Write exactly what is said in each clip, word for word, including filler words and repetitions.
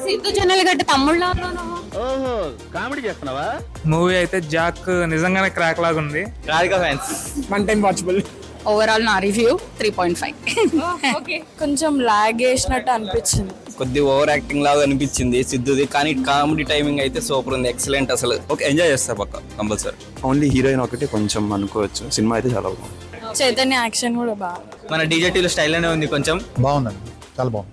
సిద్ధు జొన్నలగడ్డ తమ్ముళ్ళ ఓహో కామెడీ చేస్తున్నావా? మూవీ అయితే జాక్ నిజంగానే క్రాక్ లాగా ఉంది. Radhika fans one time watchable. Overall నా రివ్యూ త్రీ పాయింట్ ఫైవ్. కొంచెం లాగ్ వేసినట్టు అనిపించింది. కొద్ది ఓవర్ యాక్టింగ్ లాగా అనిపించింది సిద్ధుది, కానీ కామెడీ టైమింగ్ అయితే సూపర్ ఉంది, ఎక్సలెంట్. అసలు ఓకే, ఎంజాయ్ చేస్తా పక్క కంపల్సరీ. ఓన్లీ హీరోయిన్ ఒకటి కొంచెం అనుకోవచ్చు, సినిమా అయితే చాలా బాగుంది. చైతన్య యాక్షన్ కూడా బాగా. మన డీజేటీలో స్టైల్ అనే ఉంది కొంచెం బాగుందండి, చాలా బాగుంది.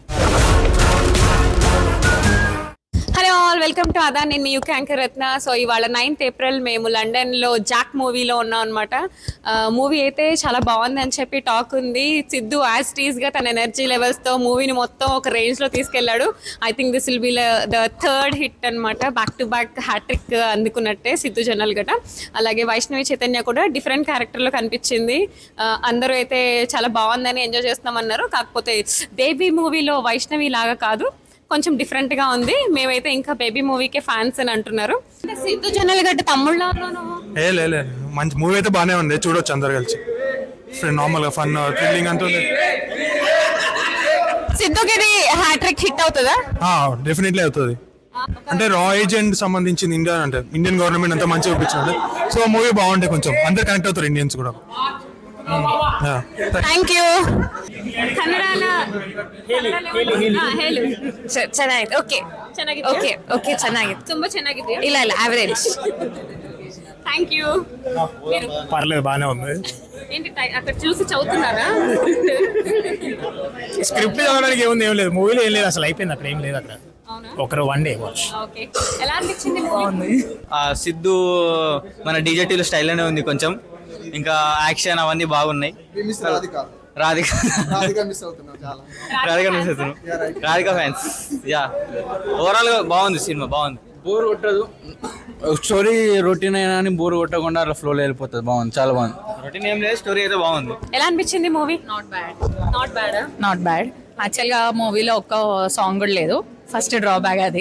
హలో ఆల్, వెల్కమ్ టు అదా. నేను మీ యూకే యాంకర్ రత్న. సో ఇవాళ నైన్త్ ఏప్రిల్ మేము లండన్లో జాక్ మూవీలో ఉన్నాం అనమాట. మూవీ అయితే చాలా బాగుంది అని చెప్పి టాక్ ఉంది. సిద్ధు యాజ్ టీజ్గా తన ఎనర్జీ లెవెల్స్తో మూవీని మొత్తం ఒక రేంజ్లో తీసుకెళ్లాడు. I think this will be the third hit అనమాట. బ్యాక్ టు బ్యాక్ హ్యాట్రిక్ అందుకున్నట్టే సిద్ధు జొన్నలగడ్డ. అలాగే వైష్ణవి చైతన్య కూడా డిఫరెంట్ క్యారెక్టర్లో కనిపించింది. అందరూ అయితే చాలా బాగుందని ఎంజాయ్ చేస్తామన్నారు. కాకపోతే బేబీ మూవీలో వైష్ణవి లాగా కాదు, కొంచెం డిఫరెంట్ గా ఉంది. మేమైతే ఇంకా బేబీ మూవీకే ఫ్యాన్స్ అని అంటున్నారు. సిద్ధు జొన్నలగడ్డ తమ్ముళ్ళ ఏ లేదు, మంచి మూవీ అయితే బాగానే ఉంది, చూడొచ్చు అందరు కలిసి. నార్మల్ గా ఫన్ థ్రిల్లింగ్ అంతా ఉంది. సిద్ధుకి ఇది హ్యాట్రిక్ హిట్ అవుతుందా? డెఫినెట్లీ అవుతుంది. అంటే రా ఏజెంట్ సంబంధించింది ఇండియా, అంటే ఇండియన్ గవర్నమెంట్ అంతా మంచిగా చూపించాడు. సో మూవీ బాగుంటే కొంచెం అందరు కనెక్ట్ అవుతారు, ఇండియన్స్ కూడా. Thank you. ಕನ್ನಡನ ಹೇಳು. ಚೆನ್ನಾಗಿದೆ. ಓಕೆ ಚೆನ್ನಾಗಿದೆ. ಓಕೆ ಓಕೆ ಚೆನ್ನಾಗಿದೆ, ತುಂಬಾ ಚೆನ್ನಾಗಿದೆ. ಇಲ್ಲ ಇಲ್ಲ ಆವರೇಜ್. Thank you. పర్లేదు, బాగానే ఉంది. ఏంటి అక్కడ చూసి చదువుతున్నారా? స్క్రిప్ట్ చదవడానికి ఏముంది, ఏం లేదు. మూవీలో ఏం లేదు, అసలు అయిపోయింది. అక్కడ ఏం లేదు, అక్కడ ఒకరు వన్ డే వాచ్. ఓకే, ఎలా అనిపించింది మూవీ? సిద్ధు మన డీజేటీలో స్టైల్ అనే ఉంది కొంచెం, ఇంకా యాక్షన్ అవన్నీ బాగున్నాయి. రాధిక రాధిక మిస్ అవుతున్నాం, రాధిక ఫ్యాన్స్. యా, ఓవరాల్ గా బాగుంది సినిమా, బాగుంది. బోర్ కొట్టదు, స్టోరీ రొటీన్ అయినా అని బోర్ కొట్టకుండా అలా ఫ్లోలో వెళ్ళిపోతుంది. బాగుంది, చాలా బాగుంది. రొటీన్ ఏం లేదు, స్టోరీ అయితే బాగుంది. ఎలా అనిపించింది movie? Not bad. Not bad not bad. యాక్చువల్గా మూవీలో ఒక్క సాంగ్ కూడా లేదు, ఫస్ట్ డ్రాబ్యాక్ అది.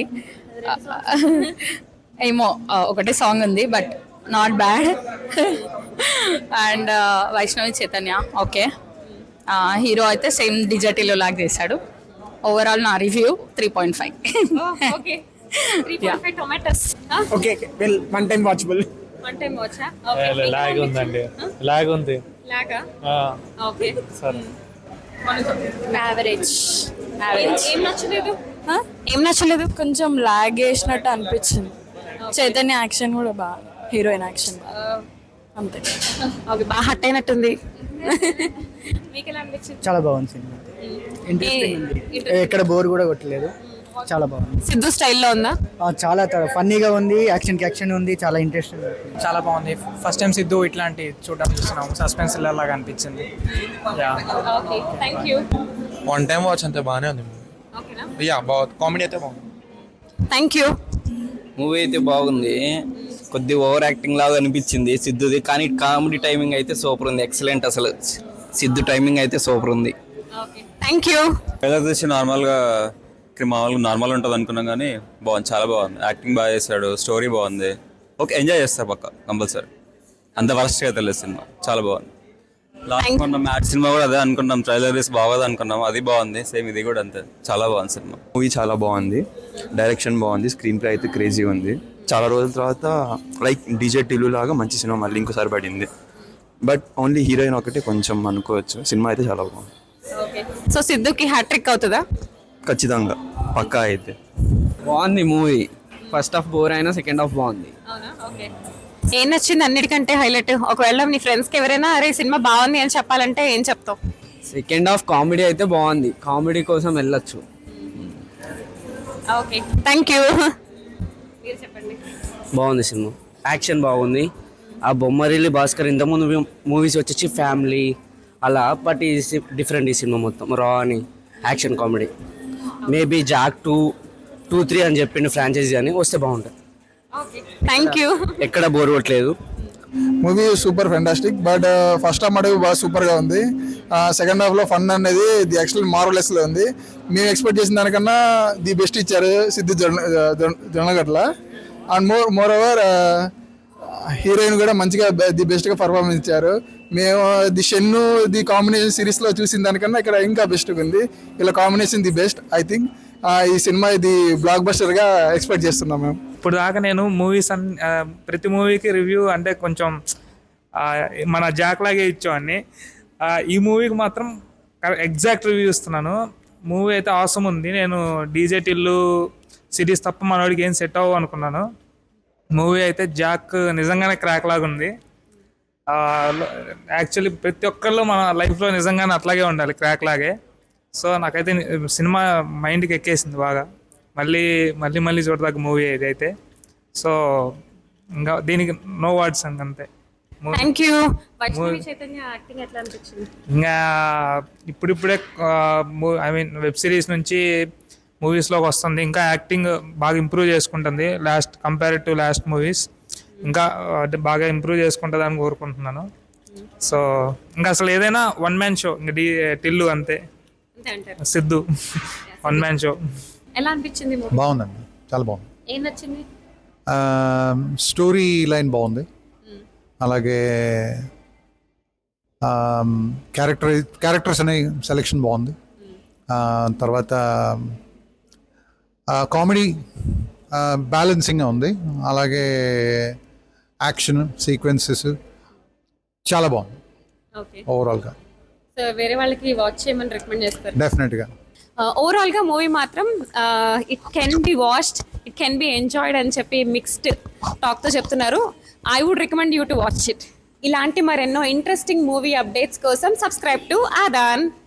ఏమో ఒకటే సాంగ్ ఉంది, but not bad. And Vaishnavi Chaitanya okay. Hero అయితే సేమ్ డిజర్టీలో లాగా చేశాడు. ఓవరాల్ నా review three point five. Okay, three point five tomatoes. Okay, well one time watchable. One time వాచా? లాగ్ ఉందండి, లాగ్ ఉంది. లాగా? ఓకే, సరే. యావరేజ్. ఏం నచ్చలేదు? ఏం నచ్చలేదు? కొంచెం లాగ్ వేసినట్టు అనిపించింది. చైతన్య యాక్షన్ కూడా బాగా, హీరోయిన్ యాక్షన్ అంతే. ఓకే, బాగా హట్ అయినట్టుంది. మీకు ఎలా అనిపించింది? చాలా బాగుంది సినిమా, ఇంట్రెస్టింగ్ ఉంది, ఎక్కడ బోర్ కూడా కొట్టలేదు, చాలా బాగుంది. సిద్ధు స్టైల్లో ఉందా? చాలా ఫన్నీగా ఉంది, యాక్షన్ కి యాక్షన్ ఉంది, చాలా ఇంట్రెస్టింగ్. చాలా బాగుంది. ఫస్ట్ టైం సిద్ధు ఇట్లాంటి చూడడం చూస్తున్నాం, సస్పెన్స్ లాగా అనిపించింది. Okay, thank you. One time watch అంతే, బాగానే ఉంది మూవీ. ఓకేనా? యా, బాగుంది, కామెడీ అయితే బాగుంది. Thank you. మూవీ అయితే బాగుంది, కొద్ది ఓవర్ యాక్టింగ్ లాగా అనిపించింది సిద్ధుది, కానీ కామెడీ టైమింగ్ అయితే సూపర్ ఉంది, ఎక్సలెంట్. అసలు సిద్ధు టైమింగ్ అయితే సూపర్ ఉంది. Okay, thank you. ట్రైలర్ చూసి నార్మల్గా మామూలుగా నార్మల్ ఉంటుంది అనుకున్నాం, కానీ బాగుంది, చాలా బాగుంది. యాక్టింగ్ బాగా చేశాడు, స్టోరీ బాగుంది. ఓకే, ఎంజాయ్ చేస్తా పక్క కంపల్సరీ. అంత వరస్ట్గా తెలియదు సినిమా, చాలా బాగుంది. లాస్ట్ అనుకున్నాం మ్యాట్ సినిమా కూడా అదే అనుకున్నాం, ట్రైలర్ వేసి బాగోదు అనుకున్నాం, అది బాగుంది. సేమ్ ఇది కూడా అంతే, చాలా బాగుంది సినిమా. మూవీ చాలా బాగుంది, డైరెక్షన్ బాగుంది, స్క్రీన్ ప్లే అయితే క్రేజీ ఉంది. చాలా రోజుల తర్వాత లైక్ డీజే టిల్లు లాగా మంచి సినిమా మళ్ళీ ఇంకోసారి పడింది. బట్ ఓన్లీ హీరోయిన్ ఒకటి కొంచెం అనుకోవచ్చు, సినిమా అయితే చాలా బాగుంది. ఓకే, సో సిద్ధుకి హ్యాట్రిక్ అవుతుందా? ఖచ్చితంగా, పక్కా అయితే. బాగుంది మూవీ. ఫస్ట్ హాఫ్ బోర్ అయినా సెకండ్ హాఫ్ బాగుంది. అవునా? ఓకే, ఏం నచ్చింది అన్నిటికంటే హైలైట్? ఒకవేళ నీ ఫ్రెండ్స్కి ఎవరైనా అరే సినిమా బాగుంది అని చెప్పాలంటే ఏం చెప్తావు? సెకండ్ హాఫ్ కామెడీ అయితే బాగుంది, కామెడీ కోసం వెళ్ళొచ్చు. Okay, thank you. మీరు చెప్పండి. బాగుంది సినిమా, యాక్షన్ బాగుంది. ఆ బొమ్మరిల్లి భాస్కర్ ఇంతకుముందు మూవీస్ వచ్చేసి ఫ్యామిలీ అలా, బట్ ఈ డిఫరెంట్. ఈ సినిమా మొత్తం రా అని action comedy. Maybe Jack two two three అని చెప్పిండు ఫ్రాంచైజీ అని, వస్తే బాగుంటుంది. Okay, thank you. ఎక్కడ బోర్ కొట్టలేదు. Movie super fantastic, but first half మటుకు బాగా సూపర్గా ఉంది. సెకండ్ హాఫ్లో ఫన్ అనేది ది యాక్చువల్ మార్వలెస్లో ఉంది. మేము ఎక్స్పెక్ట్ చేసిన దానికన్నా ది బెస్ట్ ఇచ్చారు Siddhu Jonna Jonnagatla. And more more over heroine కూడా మంచిగా ది బెస్ట్గా పర్ఫార్మెన్స్ ఇచ్చారు. మేము ది షెన్ను ది కాంబినేషన్ సిరీస్లో చూసిన దానికన్నా ఇక్కడ ఇంకా బెస్ట్గా ఉంది. ఇలా combination the best I think. ఈ సినిమా ఇది బ్లాక్ బస్టర్గా ఎక్స్పెక్ట్ చేస్తున్నాం మేము. ఇప్పుడు దాకా నేను మూవీస్ అన్ ఆ, ప్రతి మూవీకి రివ్యూ అంటే కొంచెం ఆ, మన జాక్ లాగే ఇచ్చేవాడిని. ఆ, ఈ మూవీకి మాత్రం ఎగ్జాక్ట్ రివ్యూ ఇస్తున్నాను. మూవీ అయితే అవసరం ఉంది. నేను డీజే టిల్లు సిరీస్ తప్ప మనోడికి ఏం సెట్ అవ్వ అనుకున్నాను. మూవీ అయితే జాక్ నిజంగానే క్రాక్ లాగా ఉంది. యాక్చువల్లీ ప్రతి ఒక్కళ్ళు మన లైఫ్లో నిజంగానే అట్లాగే ఉండాలి, క్రాక్ లాగే. సో నాకైతే సినిమా మైండ్కి ఎక్కేసింది బాగా. మళ్ళీ మళ్ళీ మళ్ళీ చూడదాకా మూవీ ఇది అయితే. సో ఇంకా దీనికి నో వర్డ్స్ అంతే. Thank you. Vaishnavi Chaitanya acting ఎట్లా అనిపించింది? ఇంకా ఇప్పుడిప్పుడే ఐ మీన్ వెబ్ సిరీస్ నుంచి మూవీస్లోకి వస్తుంది. ఇంకా యాక్టింగ్ బాగా ఇంప్రూవ్ చేసుకుంటుంది last compare to last movies. ఇంకా అంటే బాగా ఇంప్రూవ్ చేసుకుంటుంది అని కోరుకుంటున్నాను. సో ఇంకా అసలు ఏదైనా వన్ మ్యాన్ షో, ఇంకా డి టిల్లు అంతే, అంతే అంటారు. Siddhu one man show. ఎలా అనిపించింది మూవీ? బాగుందండి, చాలా బాగుంది. ఏం నచ్చింది? స్టోరీ లైన్ బాగుంది, అలాగే క్యారెక్టర్ క్యారెక్టర్స్ అనే సెలెక్షన్ బాగుంది. ఆ, తర్వాత కామెడీ బ్యాలెన్సింగ్గా ఉంది, అలాగే యాక్షన్ సీక్వెన్సెస్ చాలా బాగుంది ఓకే. ఓవరాల్గా. సో వేరే వాళ్ళకి వాచ్ చేయమని రికమెండ్ చేస్తారు? డెఫినెట్గా. ఓవరాల్గా మూవీ మాత్రం it can be watched, it can be enjoyed అని చెప్పి మిక్స్డ్ టాక్తో చెప్తున్నారు. I would recommend you to watch it. ఇలాంటి మరెన్నో ఇంట్రెస్టింగ్ మూవీ అప్డేట్స్ కోసం సబ్స్క్రైబ్ టు ఆదాన్.